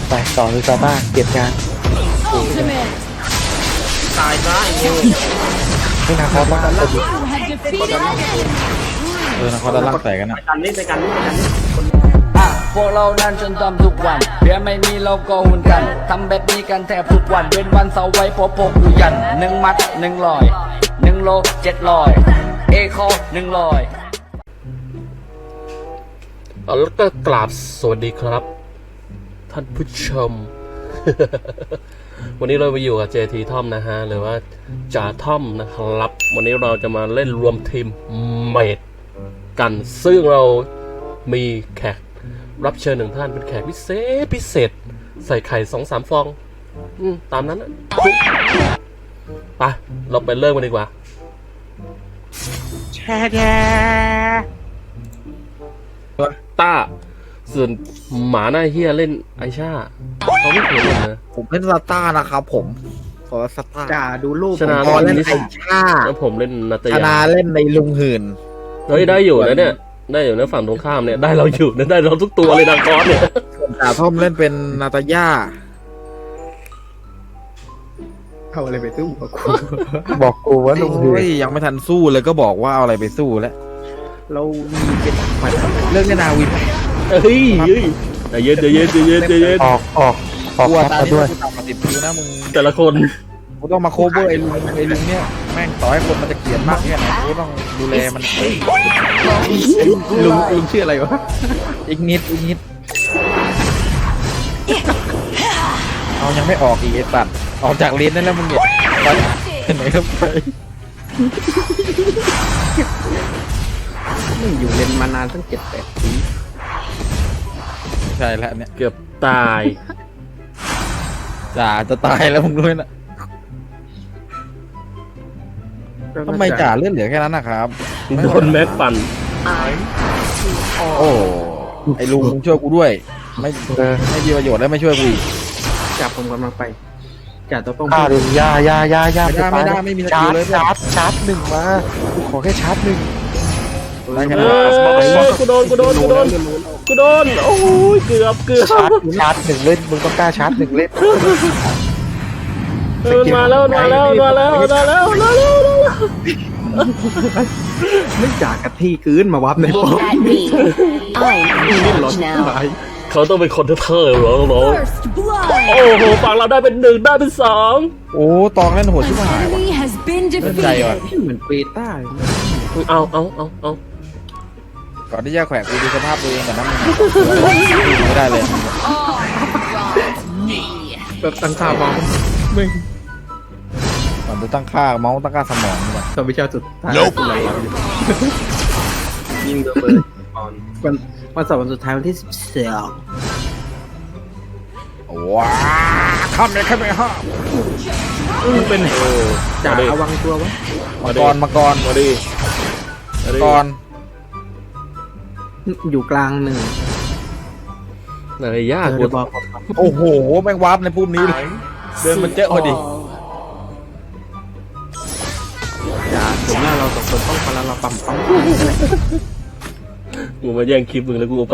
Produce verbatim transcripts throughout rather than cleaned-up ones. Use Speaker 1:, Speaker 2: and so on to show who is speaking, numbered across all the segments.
Speaker 1: ไปต่อคือซาบ้าเก็บงาน
Speaker 2: Ultimate.
Speaker 3: ตายซะไอ้เหี้ย
Speaker 1: ไม่นาคอสบ้าง
Speaker 2: You have defeated an enemy.
Speaker 4: เออนะเขาด้านล่างแตกกันอ่ะ
Speaker 3: ไปกันนี่ไปกันนี่ไปกันนี่
Speaker 5: อ่ะพวกเรานั้นจนทำทุกวันเพียไม่มีเราก็หุ่นกันทำแบบนี้กันแทบทุกวันเว้นวันเสาร์ไว้พอพกอยู่ยันหนึ่งมัดหนึ่งลอยหนึ่งโลเจ็ดลอยเอคอหนึ่งลอย
Speaker 6: แล้วก็กราบสวัสดีครับ ท่านผู้ชม วันนี้เราไปอยู่กับ เจ ที Tom นะฮะหรือว่าจ่าท่อมนะครับวันนี้เราจะมาเล่นรวมทีมเมดกันซึ่งเรามีแขกรับเชิญหนึ่งท่านเป็นแขกพิเศษพิเศษใส่ไข่สองสามฟองอืมตามนั้นนะไปเราไปเริ่มกันดีกว่าแช่แช่ต้าส่วนหมาหน้าเฮียเล่นไอชาเขาไม่เคยเล่นนะ
Speaker 4: ผมเล่นซาต้านะครับผมขอซาต้า
Speaker 3: จ่าดูรูป
Speaker 6: ชนะ
Speaker 4: พอเล่นไอ้ชา
Speaker 6: แล้วผมเล่นนาต
Speaker 4: ช
Speaker 6: ยา
Speaker 4: นะเล่นในลุงหื่น
Speaker 6: เฮ้ยได้อยู่นะเนี่ยได้อยู่นะฝั่งตรงข้ามเนี่ยได้เราอยู่นะได้เราทุกตัวเลยดังคอสเนี่ย
Speaker 4: จ่าท่อมเล่นเป็นนาตาย่า
Speaker 3: เอาอะไรไปสู้กับกู
Speaker 1: บอกกูว่าลุงหื
Speaker 4: โอ้ย
Speaker 1: น
Speaker 4: ยังไม่ทันสู้เลยก็บอกว่าเอาอะไรไปสู้แล้ว
Speaker 3: เรามีเป็นหมัด
Speaker 4: เรื่องเล่นนาวิน
Speaker 6: เฮ้ยเฮ้ยใจเย็นใจเย็นใจเย็นใจเย็น
Speaker 1: ออกออกออก
Speaker 4: กลัว
Speaker 1: แคป
Speaker 4: ตา
Speaker 1: มา
Speaker 4: ที่
Speaker 1: ด้วย
Speaker 4: กูต่ำมาสิบคิวนะมึง
Speaker 6: แต่ละคน
Speaker 4: กูต้องมาโคเวอร์ไอ้ลุงไอ้ลุงเนี่ยแม่งต่อให้คนมันจะเกลียดมากแค่ไหนกูต้องดูแลมัน
Speaker 3: ลุงลุงชื่ออะไรวะ
Speaker 4: อีกนิดอีกนิดเอายังไม่ออกอีกไอ้สัตว์ออกจากเลนนั่นแล้วมึงเนี่ยไปไหนก็ไป
Speaker 3: มึงอยู่เรียนมานานตั้งเจ็ดแปดปี
Speaker 4: ใช่แล้วเนี่ย
Speaker 6: เกือบตาย
Speaker 4: จ่าจะตายแล้วมึงด้วยนะทำไมจ่าเลือดเหลือแค่นั้นนะครับ
Speaker 6: โดนแม็กปั่น
Speaker 4: โอ้ไอ้ลุงมึงช่วยกูด้วย ไม่
Speaker 1: เออ
Speaker 4: ไม่มีประโยชน์แล้วไม่ช่วยกูอีก
Speaker 3: จ่าผมกำลังไปจ่าต้องต้อง
Speaker 1: ฆ่าดิยายายายา
Speaker 4: ไม่ได้ไม่ได้ไม่มีส
Speaker 1: ชา
Speaker 4: กิล
Speaker 1: ร์จ
Speaker 4: เลย
Speaker 1: ชาร์จชาร์จหนึ่งมากูขอแค่ชาร์จหนึ่ง
Speaker 4: ได้แค่
Speaker 6: เอ
Speaker 4: นั้น
Speaker 6: อกูโดนกูโดนกูโดนกูโดนโอ้ยเกือบเกือบ
Speaker 1: ชาร์จชาร์จหนึ่งเล่นมึงต้องกล้าชาร์จหนึ่งเล่น
Speaker 6: เออมันมาแล้วมาแล้วมาแล้วมาแล้วมาแล้วมาแล้ว
Speaker 3: ไม่จ่ากะที่คืนมาวับในป้อม
Speaker 2: Look at me. I'm in
Speaker 3: หลอน
Speaker 2: charge
Speaker 3: ตา
Speaker 2: now.
Speaker 3: ย
Speaker 6: เขาต้องเป็นคนเท่ๆเหรอน้อง
Speaker 2: First
Speaker 6: โอ้
Speaker 2: blood.
Speaker 6: โหฝั่งเราได้เป็นหนึ่งได้เป็นสอง
Speaker 4: โอ้ตองเล่นโหด
Speaker 2: An
Speaker 4: ชิบหายว่ะ
Speaker 2: enemy has been
Speaker 4: เล่นใจว่ะ
Speaker 2: defeated.
Speaker 3: เหมือนเปต้าเลย
Speaker 6: เอาเอาเอาเอา
Speaker 4: ก่อนที่จะแขวะกูดูสภาพตัวเองก่อนนะมึงไม่ได้เลย
Speaker 3: แบบตั้งค่ามองมึง
Speaker 4: ก่อนจะตั้งค่าเมาส์ตั้งค่าสมองก่อน
Speaker 3: ตอนวิชาสุดท้ายคืออะไรวะยิงระเบิดวันวันเสาร์วันสุดท้ายวันที่สิบสอง
Speaker 4: ว้าข้ามเลยข้ามเลยฮะ
Speaker 3: มึงเป็น
Speaker 6: โอ้
Speaker 3: จ่า
Speaker 6: มาดิ
Speaker 3: ระวังตัววะ
Speaker 4: มังกรมังกร
Speaker 6: มาดิมา
Speaker 4: มัง
Speaker 6: ดิ
Speaker 4: กร
Speaker 3: อยู่กลางหนึ่ง
Speaker 6: อะไรยาก
Speaker 3: เอ
Speaker 6: กู
Speaker 3: อบอก
Speaker 4: โอ้โหแม่งวาร์ปในปุ่มนี้เลยเดินมันเจอพอดี
Speaker 3: จ่าถึงหน้าเราสองคนต้องพลังเราปั๊มปั๊ม
Speaker 6: กูมาแย่งคลิปมึงแล้วกูเอาไป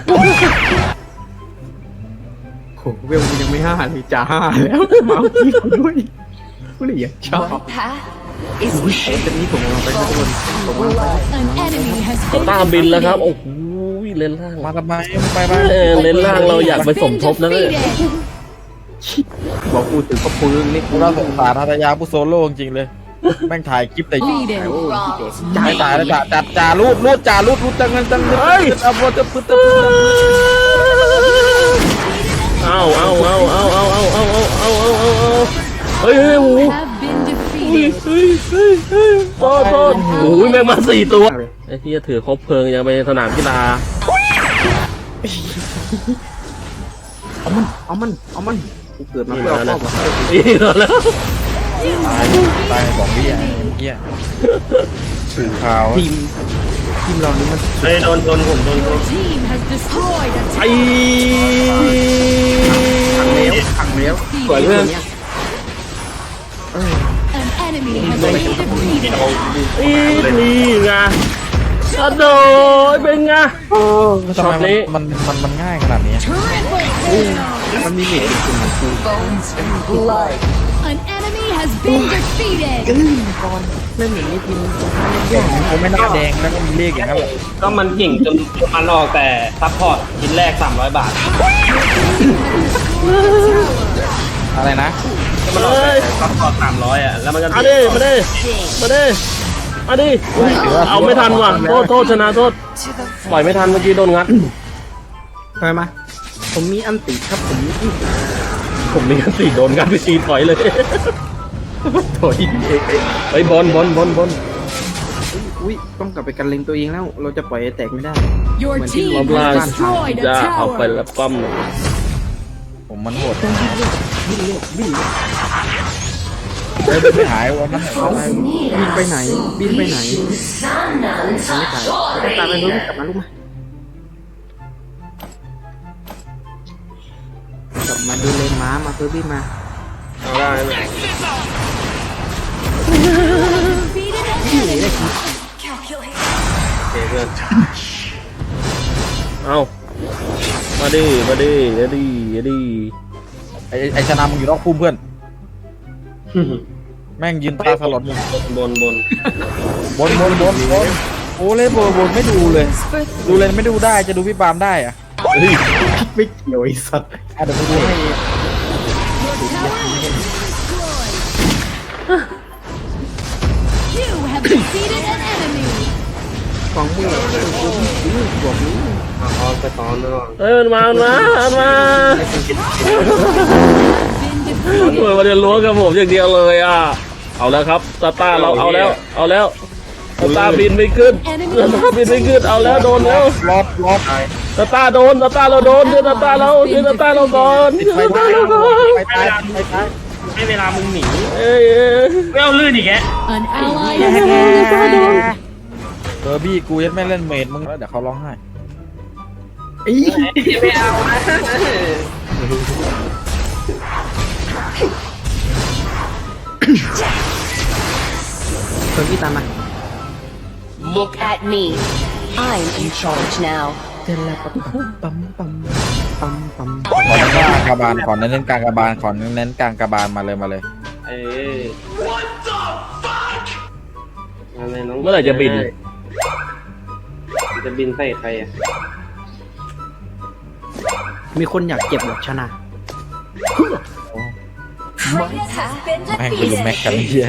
Speaker 3: โหเวลกูยังไม่ห้าเลยจ่าห้าแล้วมาเอาที่กูด้วยกูเลยอยากชอบ
Speaker 2: One path is
Speaker 3: จะนี้ผมกำลังไปทุกคนผมกำลังไป
Speaker 2: an enemy has
Speaker 6: เขา
Speaker 2: been
Speaker 6: ตามบินแล้วครับ
Speaker 2: defeated.
Speaker 6: โอ้โหเลนล่าง
Speaker 4: มาทำไมมึงไปไป
Speaker 6: เออเลนล่างเราอยากไปสมทบนะเนี่ย
Speaker 3: บอกกูถึงก็ปืนนี่
Speaker 4: กูน่าสงสารทัตยาผู้โซโล่จริงๆเลย แม่งถ่ายคลิปแต่
Speaker 2: Leading.
Speaker 4: จ่ายตายแล้วจ่าจ่าจ่ารูดรูดจ่ารูดรูดจังเงินจังเงินเอาพอจะพึ่งจะพึ่ง
Speaker 6: เอาเอาเอาเอาเอาเอาเอาเอาเอาเอาเอาเฮ้ยเฮ้ยโอ้โห
Speaker 2: Have been
Speaker 6: เฮ้ย
Speaker 2: defeated.
Speaker 6: เฮ้ยเฮ้ยเฮ้ยโทษโทษโอ้ยแม่งมาสี่ตัวไอ้ที่จะถือครบเพลิงยังไปสนามกีฬา
Speaker 3: เอามันเอามันเอามันกูเกิดมาเพื่อเอาพ่อมา
Speaker 6: นี่แล้ว
Speaker 4: ตายตายสองวิอ่ะเมื่อกี้ถือข่าว
Speaker 3: ทีมทีมเรานี่มัน
Speaker 6: ไอ้โดนโดนผมโดน
Speaker 2: Your team has destroyed a
Speaker 6: ไอ้
Speaker 3: ขังแล้วขังแล้ว
Speaker 6: สวยเพื่อน
Speaker 2: An enemy has been defeated.
Speaker 6: นี่ไงกระโดดเป็นไง
Speaker 4: ทำไมมันมันมันมันง่ายขนาดนี้
Speaker 2: Triple kill.
Speaker 3: มันมีเมจเป็นของกู
Speaker 2: An enemy has been defeated.
Speaker 3: เล่นอย่างนี้ทีม
Speaker 4: เขาไม่หน้าแดงแล้วก็มีเลขอย่างนั้นแหละ
Speaker 7: ก็มันเก่งจนมันออกแต่ซัพพอร์ตชิ้นแรกสามร้อยบาท
Speaker 4: อะไรนะ
Speaker 7: ก็มันออกแต่ซัพพอร์ตสามร้อยอ่ะแล้วมันก็
Speaker 6: มาดิมาดิมาดิมาดิเอาไม่ทันว่ะโทษโทษชนะโทษปล่อยไม่ทันเมื่อกี้โดนงัด
Speaker 3: ไปมาผมมีอันติครับผมมี
Speaker 6: ผมมีกันสี่โดนงัดไปตีถอยเลยถอยไปบอลบอลบอลบอล
Speaker 3: อุ้ยต้องกลับไปกันเล็งตัวเองแล้ว เราจะปล่อยให้แตกไม่ได้
Speaker 2: Your
Speaker 6: รอบ
Speaker 2: team
Speaker 6: ล่าง
Speaker 2: has destroyed a
Speaker 6: จะเอาไป
Speaker 2: tower.
Speaker 6: แล้วป้อมหนึ่ง
Speaker 4: ผมมันโหดเดินไปหายวันนั้น
Speaker 3: เอาบินไปไหน บินไปไหนไม่ตายไม่ตายไปรู้กลับมาลูกมากลับมาดูเลนม้ามาเฟอร์บี้มา
Speaker 7: เอาได้ไหม
Speaker 2: Defeated an enemy.
Speaker 7: โอเคเพื่อน
Speaker 6: เอามาดิมาดิมาดิมาดิ
Speaker 4: ไอ้ไอ้ชนะมึงอยู่นอกพุ่มเพื่อน แม่งยืนตาสลด
Speaker 7: บนบน
Speaker 4: บนบนบนบนโอ้เลยบนบนไม่ดูเลย ดูเลยไม่ดูได้จะดูพี่ปาล์มได้อะ
Speaker 6: เฮ้ย
Speaker 3: ไม่เกี่ยวไอ้สัตว์
Speaker 4: อ่ะเดี๋ยวไปดูให้
Speaker 2: You have defeated an enemy.
Speaker 3: ของมึงบอกนี้
Speaker 7: เอาออนไปตอนแล้ว
Speaker 6: เอ้ยมันมามันมามันมา
Speaker 2: Been
Speaker 6: เออ
Speaker 2: defeated.
Speaker 6: มาเรียนรู้กับผมอย่างเดียวเลยอ่ะเอาแล้วครับตาตาเราเอาแล้วเอาแล้วตาตาบินไม่ขึ้นตาตาบินไม่ขึ้นเอาแล้วโดนแล้ว
Speaker 4: รอบรอบ
Speaker 6: ตาตาโดนตาตาเราโดนเดี๋ยวตาตาเราเดี๋ยวตาตาเราก่อนเดี๋ยว
Speaker 4: ไป
Speaker 6: ตาตา
Speaker 4: ตาย
Speaker 6: เราก่อน
Speaker 4: ไปตายไปตาย
Speaker 7: ให้เวลามึงหนี
Speaker 6: เอ้ยเอ้ย
Speaker 7: ไม่เอาลื่นอีกแก
Speaker 2: An ally has been defeated.
Speaker 4: เบอร์บี้กูยังไม่เล่นเมดมึงแล้วเดี๋ยวเขาร้องไห้
Speaker 3: อี
Speaker 7: ไม่เอานะ
Speaker 3: เฟอร์บี้ตามมา
Speaker 8: Look at me. I'm in charge now.
Speaker 3: เจนแล้วปั๊มปั๊มปั๊มปั๊มปั๊ม
Speaker 4: ขอเน้นกลางกระบาลขอเน้นกลางกระบาลขอเน้นกลางกระบาลมาเลยมาเลย
Speaker 7: เอ้ยอะไรน้อง
Speaker 6: เมื่อไหร่จะบิน
Speaker 7: จะบินใส่ใครอ่ะ
Speaker 3: มีคนอยากเก็บหรอกชนะ
Speaker 4: แม่งเป็นแม็กกันเฮีย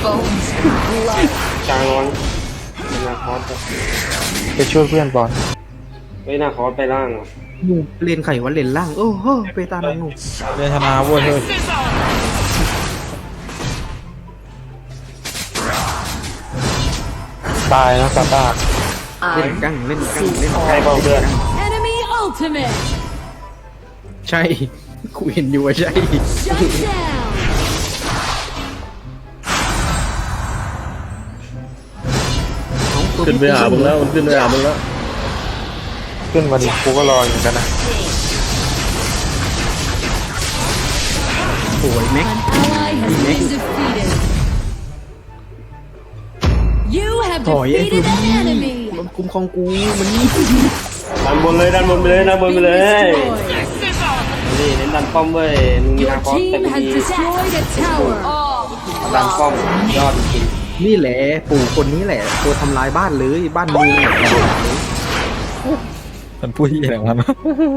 Speaker 7: จางร้อนนาคอส
Speaker 1: ไปช่วยเพื่อนบอล
Speaker 7: เฮ้ยนาคอสไปล่างอ่ะ
Speaker 3: งูเรียนไข่วันเรียนล่าง โอ้โหไปตามงู
Speaker 4: เรียนชนะเว้ยเฮ้ย
Speaker 1: ตายนะตาตา
Speaker 3: เล่น
Speaker 8: I'm
Speaker 3: กั้งเล่นกั้งเล่น
Speaker 1: ใครบอกเพื่อน
Speaker 2: Enemy ultimate.
Speaker 3: ใช่กูเห็นอยู่ว่าใช่
Speaker 2: Shut down.
Speaker 6: ขึ้นไปหามึงแล้วมันขึ้นไปหามึงแล้ว
Speaker 1: ขึ้นมาดิกูก็รออยู่เหมือนกันนะ
Speaker 3: โอ้ยแม็ก
Speaker 2: An ally has been defeated. You have
Speaker 3: ถอยไอ้เฟอ
Speaker 2: defeated
Speaker 3: ร์บี้
Speaker 2: an enemy.
Speaker 3: มันคุ้มครองกูมันนี่
Speaker 7: ดันบนเลยดันบนไปเลยดันบนไป
Speaker 2: Been
Speaker 7: เลย
Speaker 2: destroyed.
Speaker 7: นี่เน้นดันป้อมเว้ยมึงมี
Speaker 2: Your
Speaker 7: นาคอสแต่
Speaker 2: team
Speaker 7: กู
Speaker 2: has
Speaker 7: มี
Speaker 2: destroyed a tower.
Speaker 7: ดันป้อมยอดจริง
Speaker 3: นี่แหละปู่คนนี้แหละ ตัวทำลายบ้านเลยบ้านเมือง
Speaker 4: มันพูดยี่อะไรของมันวะ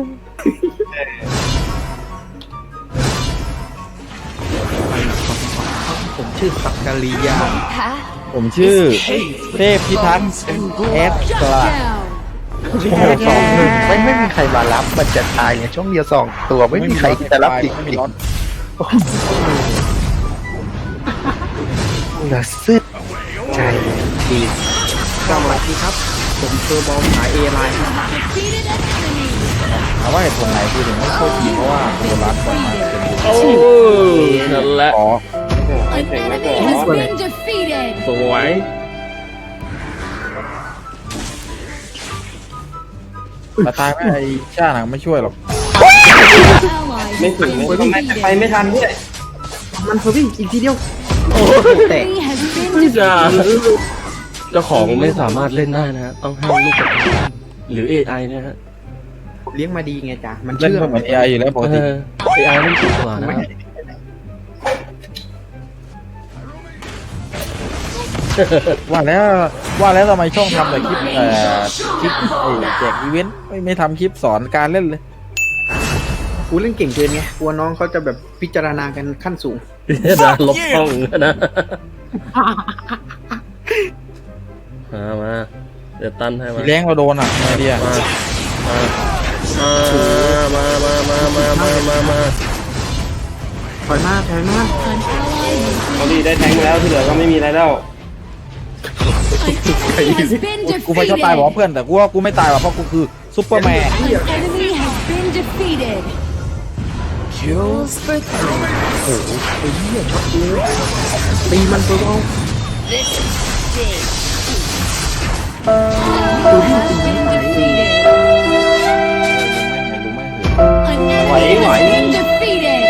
Speaker 3: ผมชื่อสักกาลียา
Speaker 4: ผมชื่อเทพพิทักษ์เอส
Speaker 2: Shut
Speaker 4: กลา
Speaker 2: down.
Speaker 1: ช่วงเดียวสองหนึ่งไม่ไม่มีใครมารับมันจะตายเนี่ยช่วงเดียวสองตัวไม่มีใครจะรับจริง
Speaker 4: ไม่มี
Speaker 1: จริง
Speaker 4: รถ
Speaker 1: เหลือซึดใจดี
Speaker 3: สวัสดีครับ ผมเซอร์บอลสายเอไลน์
Speaker 2: Defeated an enemy.
Speaker 4: ถามว่าเหตุผลไหนคือถึงไม่โคตรดีเพราะว่าโบราณก่อนมาเป็น
Speaker 6: โอ้นั่นแหละ
Speaker 4: อ๋อ
Speaker 2: An enemy has been defeated.
Speaker 6: สวย
Speaker 4: แต่ตายไม่ไอ้ชาหนังไม่ช่วยหรอก
Speaker 2: Ally
Speaker 7: ไม่
Speaker 2: has
Speaker 7: ถึง
Speaker 2: been
Speaker 7: ไม่ต้องไป
Speaker 2: defeated.
Speaker 7: ไม่ทันด้วย
Speaker 3: มันเฟอร์บี้อีกทีเดียว
Speaker 6: โอ้
Speaker 3: แตก
Speaker 2: Enemy has been
Speaker 6: ไม่จ้า
Speaker 2: defeated.
Speaker 6: เจ้าของไม่สามารถเล่นได้นะฮะต้องให้ลูกกระต่ายหรือ เอ ไอ นะฮะ
Speaker 3: ผมเลี้ยงมาดีไงจ๊ะมัน
Speaker 4: เล่น
Speaker 3: เชื่อ
Speaker 4: ก็เหมือนเอไออยู่แล้วปก
Speaker 6: เอ
Speaker 4: ติ
Speaker 6: อไอไอนี่ถูกกว่านะ
Speaker 4: ว่าแล้วว่าแล้วทำไมช่องทำแต่คลิปเอ่อคลิปไอ้แจกอีเวนต์ไม่ไม่ทำคลิปสอนการเล่นเลย
Speaker 3: กูเล่นเก่งเกินไงกลัวน้องเขาจะแบบพิจารณากันขั้นสูง
Speaker 6: นะลบช่องนะมามาเดี๋ยวตั้นให้มา
Speaker 4: แรงเราโดนอ่ะไอเดีย
Speaker 6: มามามามามามามามา
Speaker 3: ถอยมาถอยมา
Speaker 2: An ally
Speaker 7: เขาดีได้แทงมาแล้วที่เหลือก็ไม่มีอะไรแล้ว
Speaker 2: An enemy has been
Speaker 4: กูไม่ชอบตายบอก
Speaker 2: defeated.
Speaker 4: เพื่อนแต่กูว่ากูไม่ตายหรอกเพราะกูคือซุปเปอร์แมน
Speaker 2: An enemy has been defeated. Kills for three.
Speaker 3: ตีมันตัวเอา
Speaker 2: An enemy has been defeated. An enemy has been defeated.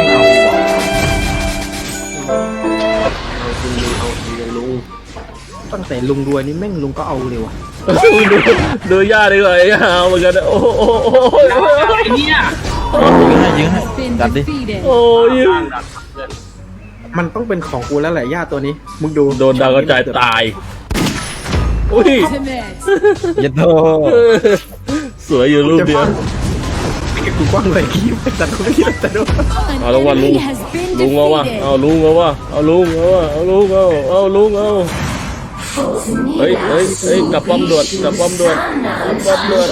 Speaker 3: ตั้งแต่ลุงรวยนี่แม่งลุงก็เอาเลยว่ะ
Speaker 6: ดูดูย่าดีกว่าไอ้ห่าเหมือนกันโอ้โหโอ้โห
Speaker 7: ไอ้เนี่ย
Speaker 4: ยิงให้ยิงให้
Speaker 2: Been
Speaker 4: จัดดิ
Speaker 2: defeated.
Speaker 6: โอ้ย
Speaker 3: มันต้องเป็นของกูแล้วแหละย่าตัวนี้มึงดู
Speaker 6: โดนดาวกระจายตายอุ้ย
Speaker 2: Ultimate.
Speaker 4: เยัดโต
Speaker 6: สวยอยู่รูปเดียว
Speaker 3: กูกว้างเลยขี้แต่กูไม่คิดว่าจะโดน
Speaker 2: An
Speaker 6: เอาละวันลุง
Speaker 2: enemy has been
Speaker 6: ลุงเอาวะ
Speaker 2: defeated.
Speaker 6: เอาลุงเอาวะเอาลุงเอาวะเอาลุงเอาเอาลุงเอาเฮ้ยเฮ้ยเฮ้ยกลับป้อมด่วนกลับป้อมด่วนกลับป้อมด่วน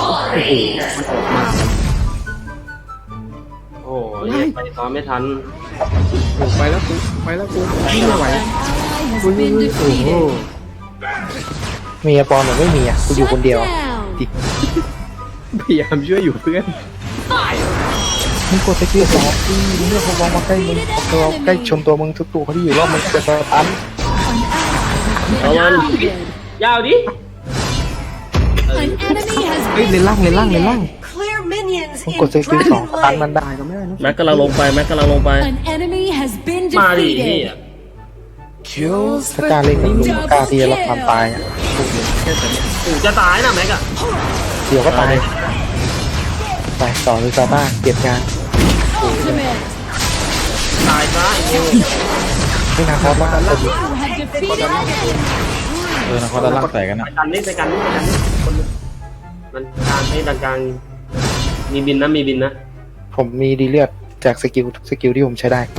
Speaker 7: โอ้ยไปซ้อมไม่ทัน
Speaker 3: โอ้ไปแล้วกูไปแล้วกูวิ่งไม่ไหว
Speaker 2: An ally has
Speaker 3: กูวิ่ง
Speaker 2: been
Speaker 3: โอ้โห
Speaker 2: defeated.
Speaker 1: มีอะปอนหรือไม่มีอ่ะกูอยู่คนเดียว
Speaker 2: Shut down.
Speaker 3: พยายามช่วยอยู่เพื่อน
Speaker 1: มึงกดสกิลสองทีมึงเลือกเขาวางมาใกล้มึงพอเขาใกล้ชนตัวมึงทุกตัวเขาที่อยู่รอบมึงจะสตัน
Speaker 6: เอามัน
Speaker 7: ยาวดิ
Speaker 2: An enemy has
Speaker 3: เฮ้ยเลนล่างเลนล่างเลนล่าง
Speaker 8: Clear minions
Speaker 1: มึง
Speaker 8: in
Speaker 1: กดสกิลสอง
Speaker 8: Dragon
Speaker 1: สตัน
Speaker 8: Lane.
Speaker 1: มันได้
Speaker 3: ตายก็ไม่ได้นะ
Speaker 6: แม็กกำลังลงไปแม็กกำลังลงไป
Speaker 2: An enemy has been
Speaker 7: มาดินี่
Speaker 2: defeated. Kills
Speaker 1: ถ้า
Speaker 2: for
Speaker 1: กล้าเล่นกับลุง
Speaker 2: double
Speaker 1: กล้าที่จะรับความตาย
Speaker 2: kill.
Speaker 1: อ่ะ
Speaker 7: กูจะตายนะแม็กอะ
Speaker 1: เดี๋ยวก็ตายไปต่อเลยซาบ้าเก็บงาน
Speaker 2: Ultimate.
Speaker 7: ตายซะไอ้นิว
Speaker 1: ไม่นานพอแล้วกัน
Speaker 2: You have defeated an enemy.
Speaker 4: เออนะเขาจะลากใส่กัน
Speaker 7: ไป
Speaker 4: นะ
Speaker 7: กันนี่ไปกันนี่ไปกันนี่คนนึงมันกลางให้ดันกลางมีบินนะมีบินนะ
Speaker 1: ผมมีดีเลือดจากสกิลทุกสกิลที่ผมใช้ได้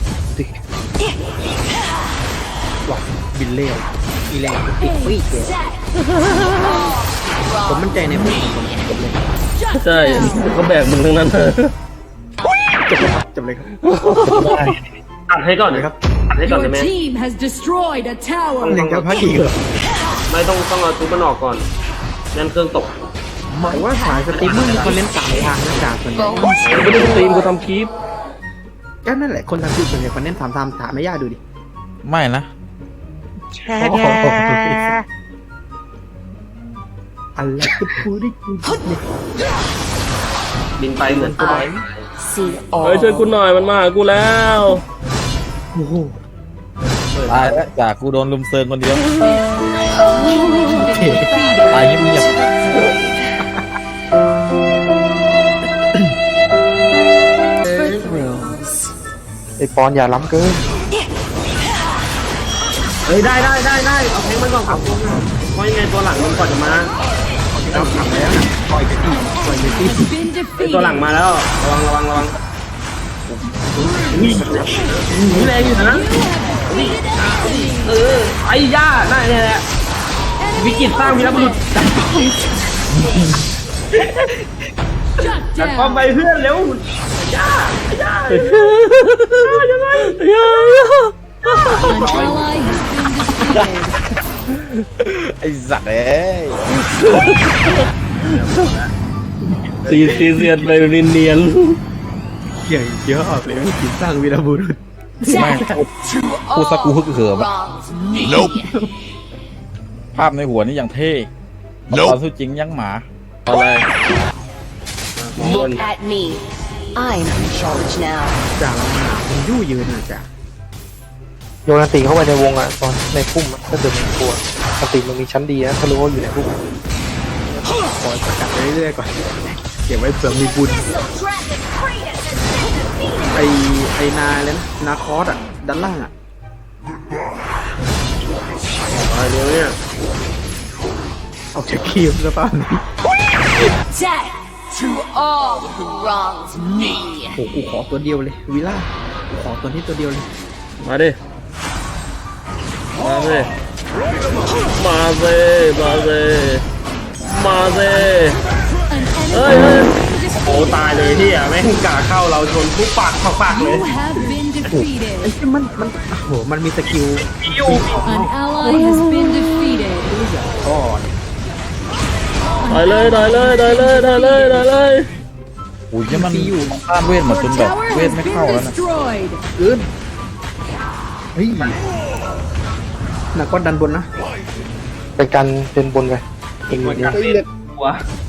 Speaker 3: บินเล่อีแรงติดปีกเลยผมมั่นใจในผมผมจบเลย
Speaker 6: ใช่ก็แบกมึงทั้งนั้น
Speaker 3: จบเลยครับจบเลยครับ
Speaker 1: ได้
Speaker 7: ตัดให้ก่อนเลยครับตัดให้ก่อนได้
Speaker 2: Your
Speaker 7: ไหม
Speaker 2: team has destroyed a tower.
Speaker 3: ยังจะพักอีกเหรอ
Speaker 7: ไม่ต้องต้องเอาทุบมันออกก่อนนั่นเครื่องตก
Speaker 3: หมายว่าสายสตรีมเมอร์นี่เขาเล่นสายทางนะจ่าส่วนใหญ่
Speaker 6: ไม่ได้สตรีมกูทำคลิป
Speaker 3: ก็นั่นแหละคนทำคลิปส่วนใหญ่เขาเน้นถามถามถามไม่ยากดูดิ
Speaker 4: ไม่นะ
Speaker 3: อะไรก็พูดได้กูเนี่ย
Speaker 7: บินไปเหมือนตัว
Speaker 8: See
Speaker 6: เฮ้ย
Speaker 8: all.
Speaker 6: ช่วยกูหน่อยมันมาหากูแล้ว
Speaker 3: โอ้โห
Speaker 4: ตายแล้วจากกูโดนลุมเซิงคนเดียว
Speaker 2: Defeated.
Speaker 4: ตายเงียบ
Speaker 8: For thrills.
Speaker 1: ไอปอนอย่าล้ำเกิน
Speaker 7: เฮ้ยได้ได้ได้ได้เอาแทงมันก่อนครับเพราะยังไงตัวหลังมันก่อนจะมา
Speaker 3: เราถามแล้วนะปล่อยไปที่ปล่อยไปที่
Speaker 2: Has been
Speaker 7: ไอตัวหลัง
Speaker 2: defeated.
Speaker 7: มาแล้วระวังระวังระวังนี่นี่แรงอยู่นะ
Speaker 2: Defeated enemy.
Speaker 7: เออไอ้ย่านั่นแหละวิกฤตสร้างวีรบุรุษจัด
Speaker 2: Shut
Speaker 7: จัดป้อมไป
Speaker 2: down.
Speaker 7: เพื่อนเร็วย่าย่า
Speaker 6: ยังไง
Speaker 2: An ally has been defeated.
Speaker 4: ๆไอ้สัตว์เอ้ย
Speaker 6: ตีตีเสียนไปเนียน
Speaker 3: เก่งเยอะออกเลยวิกฤตสร้างวีรบุรุษ
Speaker 4: แม่งพูดสักกูฮึกเหิมอะ ภาพในหัวนี่ยังเท่ตอนสู้จริงยังหมา
Speaker 6: ๆอะไร
Speaker 8: Look at me. I'm in charge now.
Speaker 3: จ่าเราหนามันยู่ยืนนะจ่า
Speaker 1: โยนอันติเข้าไปในวงอ่ะตอนในพุ่มอะถ้าเดินมันกลัวอันติมันมีชั้นดีนะถ้ารู้ว่าอยู่ในพุ่ม
Speaker 3: คอยประกาศไปเรื่อยๆก่อนเก็บไว้เผื่อมีบุญไอไอนาเลยนะนาคอสอ่ะด้านล่างอ่ะ
Speaker 7: อะไรเร็วเนี่ย
Speaker 3: เอาจากคีมซะป่ะ
Speaker 8: Death to all who wronged me.
Speaker 3: โอ้กูขอตัวเดียวเลยวิล่ากูขอตัวนี้ตัวเดียวเลย
Speaker 6: มาดิ มาสิ มาสิมาสิมาสิ
Speaker 2: An
Speaker 6: Ơi,
Speaker 2: enemy
Speaker 6: ơi.
Speaker 2: has been
Speaker 7: โอ้
Speaker 2: defeated.
Speaker 7: ตายเลยที่อ่ะแม่งกาเข้าเราชนปุ๊บปากปากปากเลย
Speaker 2: You have been
Speaker 3: ไอ้
Speaker 2: defeated.
Speaker 3: ที่มันมันโอ้โหมันมีสกิล
Speaker 2: An ally has been defeated.
Speaker 3: ก่อน
Speaker 6: ได้เลยได้เลยได้เลยได้เลยได้เลย
Speaker 4: อุ้ยเนี่ยมันต้านเวทหมดจ
Speaker 2: Your
Speaker 4: นแบบ
Speaker 2: tower
Speaker 4: เวท
Speaker 2: has
Speaker 4: ไม่
Speaker 2: been
Speaker 4: เข้าแล้วนะ
Speaker 2: destroyed.
Speaker 3: อื่นเฮ้ยนาคอสดันบนนะ
Speaker 1: ไปกันเป็นบนไปเป็นแบบนี้
Speaker 7: เลือดหัว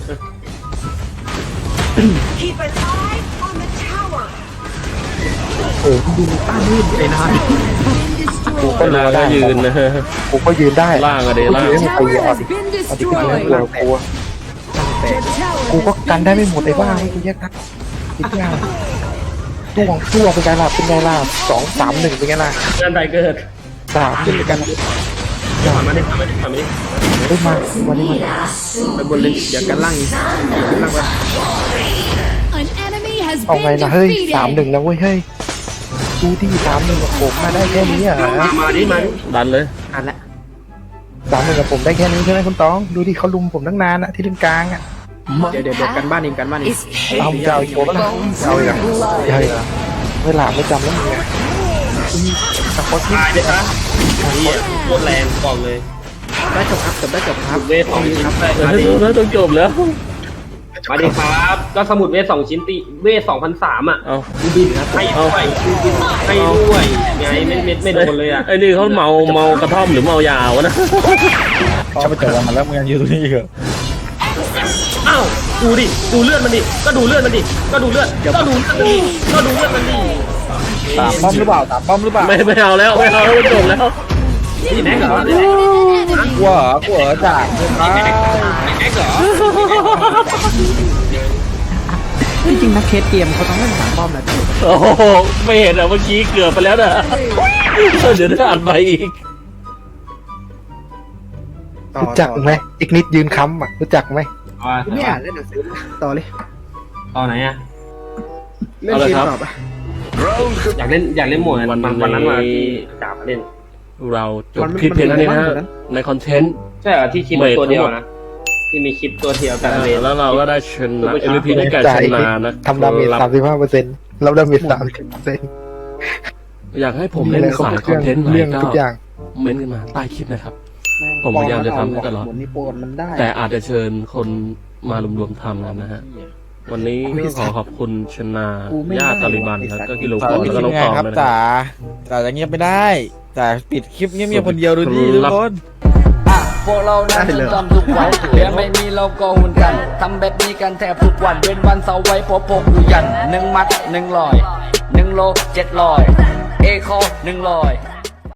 Speaker 3: โอ้ดูต้านนี่ไอ้นาย
Speaker 2: Been
Speaker 1: กูก็
Speaker 2: destroyed.
Speaker 1: รัวได้
Speaker 6: ยืนนะ
Speaker 1: กูก็ยืนได้
Speaker 6: ล่างอะดิล่าง
Speaker 1: กูยืน
Speaker 2: Tower
Speaker 1: ให้
Speaker 2: has
Speaker 1: มัน
Speaker 2: been
Speaker 1: เอาดิเอาดิกู
Speaker 2: destroyed.
Speaker 1: กลัวกลัว
Speaker 2: Your
Speaker 1: กู
Speaker 2: tower
Speaker 1: ก็
Speaker 2: has
Speaker 1: กัน
Speaker 2: been
Speaker 1: ได้ไม่หมดไอ้บ้าให้กูแยกทักติดยากตัวของตัวเป็นไงล่ะเป็นไงล่ะสองสามหนึ่งเป็นไงล่ะ
Speaker 7: งานใดเกิด
Speaker 1: สามขึ้นไปกัน
Speaker 7: ทำมาดิทำมาดิทำมาดิ
Speaker 1: เฮ้ยมาวันนี้มา
Speaker 3: ไปบนเลยอย่ากันล่างอีกกันล่างไป
Speaker 2: An enemy has
Speaker 1: เอาไง
Speaker 2: been
Speaker 1: ล่ะเฮ้ยสามห
Speaker 2: defeated.
Speaker 1: นึ่งนะเว้ยเฮ้ยดูที่สามหนึ่งกับผมมาได้แค่นี้อ่ะ
Speaker 7: มาดิมาดิ
Speaker 6: ดันเลย
Speaker 3: อ่านละ
Speaker 1: สามหนึ่งกับผมได้แค่นี้ใช่ไหมคุณตองดูดิเขาลุมผมตั้งนานอะที่ถึงกลางอะ
Speaker 3: เดี๋ยวเดี๋ยวเดี๋ยวกันบ้านเองกันบ้านเอง
Speaker 8: Is
Speaker 1: เอา
Speaker 8: hate
Speaker 1: จะเอาอีกโบละเอาอีกใช่เวลาไม่จำแล้วมึงไงสปอตที่
Speaker 7: ตายเลยนะนี่โคตรแรงบอกเลย
Speaker 3: ได้จบครับจบได้จบครับ
Speaker 7: เวทสองชิ้น
Speaker 3: ครับ
Speaker 6: เอ
Speaker 7: มาดิ
Speaker 6: อแล้วต้องจบแล้ว
Speaker 7: มาดิครับก็สมุดเวทสองชิ้นติเวทสองพันสามอ่ะ
Speaker 6: เอา
Speaker 7: บินให้ด้วยให้ด้วยไงไม่ไม่ไม่โดนเลยอ่ะ
Speaker 6: ไอ้นี่เขาเมาเมากระท่อมหรือเมายาวะนะ
Speaker 4: ชอบไปเจอมันแล้วมึงยังอยู่ตรงนี้เหรอ
Speaker 7: อ้าวดูดิดูเลือดมันดิก็ดูเลือดมันดิก็ดูเลือดก็ดูเลือดมันดิก็ดูเลือดมันดิ
Speaker 4: ตามป้อมหรือเปล่าตามป้อมหรือเปล่า
Speaker 6: ไม่ไม่เอาแล้วไม่เอาแล้วจบแล้ว
Speaker 7: นี่แม็กเหรอ
Speaker 4: กลัวเหรอกลัวเหรอจ่าเกินไป
Speaker 7: แม็กเหรอ
Speaker 3: จริงๆนะเคสเกมเขาต้องเล่นสามป้อมนะพี่
Speaker 6: โอ้โหไม่เห็นอ่ะเมื่อกี้เกือบไปแล้วนะเดี๋ยวจะอ่านไปอีก
Speaker 3: ต่อ
Speaker 1: รู้จักไหมอีกนิดยืนค้ำอ่ะรู้จักไหม
Speaker 3: ไม่อ่านเล่นหนังสือต่อเลย
Speaker 7: ตอนไหนอ่ะ
Speaker 3: เล่นเกมต่อปะ
Speaker 7: อยากเล่นอยากเล่นโหมดวันวันนั้นมาที่จ่ามาเล่น
Speaker 6: เราจบคลิปเพียงเท่านี้นะฮะในคอนเทนต์
Speaker 7: ใช่เหรอที่คลิปตัวเดียวนะที่มีคลิปตัวเดียวแต่ละเวท
Speaker 6: แล้วเราก็ได้ชนะ เอ็ม วี พี ได้แก่ชนะนะ
Speaker 1: ทำดาเมจสามสิบห้าเปอร์เซ็นต์เราดาเมจสามสิบเปอร์เซ็นต์
Speaker 6: อยากให้ผมเล่นสายคอนเทนต์ไหน
Speaker 1: เรื่อง
Speaker 6: ก็
Speaker 1: ทุกอย่าง
Speaker 6: เม้นต์กันมาใต้คลิปนะครับ ผมพยายามจะทำให้ตลอด
Speaker 3: หมดนี่โปรมันได้
Speaker 6: แต่อาจจะเชิญคนมารวมๆทำกันนะฮะ วันนี้ก็ขอขอบคุณชนาญาติตาลิบันครับก็กิโล
Speaker 4: จ่า
Speaker 6: ฟอน
Speaker 4: ไม่
Speaker 6: แล้วก็
Speaker 4: ที
Speaker 6: น้
Speaker 4: ม
Speaker 6: อง
Speaker 4: งา
Speaker 6: ต
Speaker 4: น
Speaker 6: อง
Speaker 4: ครับ
Speaker 6: เลยนะ
Speaker 4: จ่าจ่าจะเงียบไม่ได้จ่าปิดคลิปเงียบๆคนเดียวดูดิทุกคน
Speaker 5: อ่ะพวกเรานั้นจะทำทุกวันเดี๋ยวไม่มีเราก็หุ่นกัน ทำแบบนี้กันแทบทุกวัน เป็นวันเสาร์ไว้พอพกอยู่ยันหนึ่งมัดหนึ่งลอยหนึ่งโลเจ็ดลอย เอคอหนึ่งลอย